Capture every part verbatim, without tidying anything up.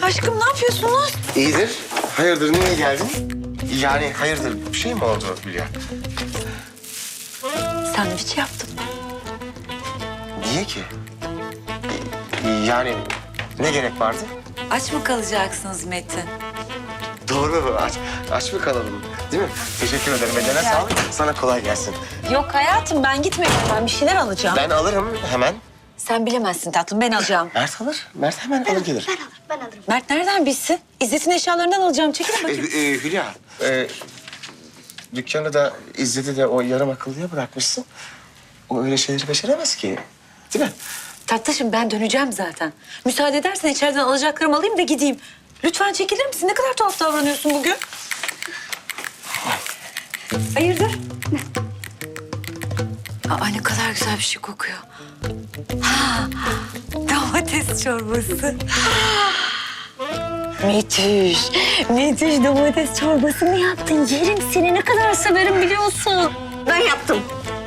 Aşkım ne yapıyorsunuz? İyidir. Hayırdır, niye geldin? Yani hayırdır, bir şey mi oldu Hülya? Sandviç yaptım. Niye ki? Yani ne gerek vardı? Aç mı kalacaksınız Metin? Doğru, aç, aç mı kalalım? Değil mi? Teşekkür ederim. Eline sağlık. Sana kolay gelsin. Yok hayatım ben gitmiyorum. Ben bir şeyler alacağım. Ben alırım hemen. Sen bilemezsin tatlım ben alacağım. Mert alır. Mert hemen alır gelir. Ben alırım, ben alırım. Mert nereden bilsin? İzzet'in eşyalarından alacağım. Çekilin Ee, bakayım. e, Hülya, e, dükkanı da İzzet'i de o yarım akıllıya bırakmışsın. O öyle şeyleri beceremez ki. Değil mi? Tatlışım ben döneceğim zaten. Müsaade edersen içeriden alacaklarımı alayım da gideyim. Lütfen çekilir misin? Ne kadar tuhaf davranıyorsun bugün. Hayırdır? Aa, ne kadar güzel bir şey kokuyor. Ha, domates çorbası. Müthiş. Müthiş domates çorbası mı yaptın? Yerim seni ne kadar severim biliyorsun. Ben yaptım.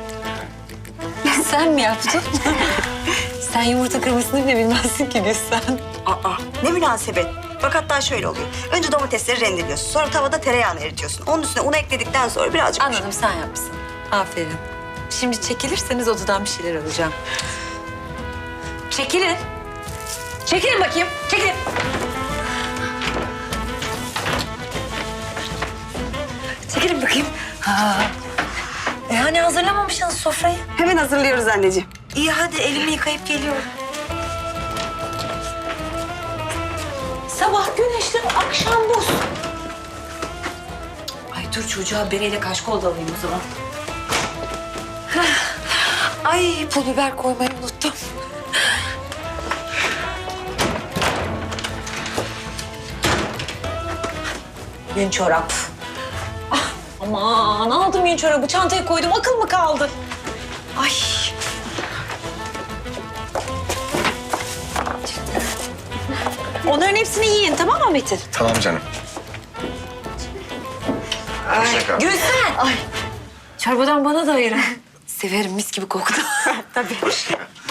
Sen mi yaptın? Sen yumurta kırmasını bile bilmezsin ki Gülsen. Aa, ne münasebet. Bak hatta şöyle oluyor. Önce domatesleri rendeliyorsun. Sonra tavada tereyağını eritiyorsun. Onun üstüne unu ekledikten sonra birazcık... Anladım sen yapmışsın. Aferin. Şimdi çekilirseniz odadan bir şeyler alacağım. Çekilin. Çekilin bakayım. Çekilin. Çekilin bakayım. Ha. E hani hazırlamamışsınız sofrayı? Hemen hazırlıyoruz anneciğim. İyi hadi elimi yıkayıp geliyorum. Sabah güneşli, akşam buz. Ay dur çocuğa bereyle kaşkol da alayım o zaman. Heh. Ay pul biber koymayı unuttum. Yün çorap. Ah, aman aldım yün çorabı çantaya koydum akıl mı kaldı? Ay. Onların hepsini yiyin tamam mı Metin? Tamam canım. Hoşça kal. Gülsen. Ay. Çorbadan bana da ayırın. Severim mis gibi koktu. Tabii. Hoşça kal.